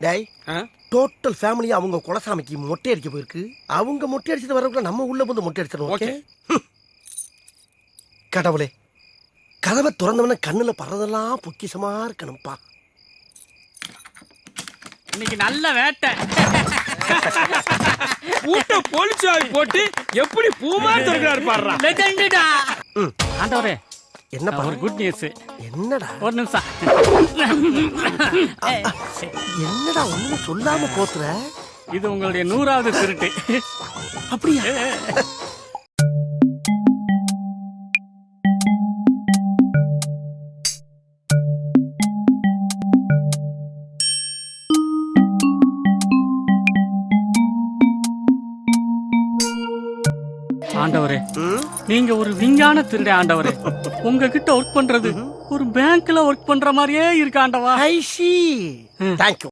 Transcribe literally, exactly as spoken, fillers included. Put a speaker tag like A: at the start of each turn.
A: டேய் total family அவங்க குலசாமிக்கு மொட்டை அடிக்க போயிருக்கு. அவங்க மொட்டை அடிச்சிட்டு வரக்குள்ள நம்ம உள்ள வந்து மொட்டை அடிச்சிடணும். ஓகே கடவுளே, கதவை திறந்தவன கண்ணுல பறதெல்லாம் பொக்கிஷமா இருக்கணும்பா.
B: இன்னைக்கு நல்ல வேட்டை.
C: பூட்ட போலீஸாவி போட்டு எப்படி பூமா திறக்கிறாரு பாடுறா.
B: லெஜெண்டடா. ஆண்டவரே,
A: என்னப்பா
B: ஒரு குட் நியூஸ்.
A: என்னடா
B: ஒரு நிமிஷம்.
A: என்னடா ஒண்ணு சொல்லாம போத்துற?
B: இது உங்களுடைய நூறாவது திருட்டு.
A: அப்படியா?
B: ஆண்டவரே, நீங்க ஒரு விஞ்ஞான திருடே ஆண்டவரே. உங்ககிட்ட ஒர்க் பண்றது ஒரு பேங்க்ல ஒர்க் பண்ற மாதிரியே இருக்கு ஆண்டவா.
A: I see. Thank you.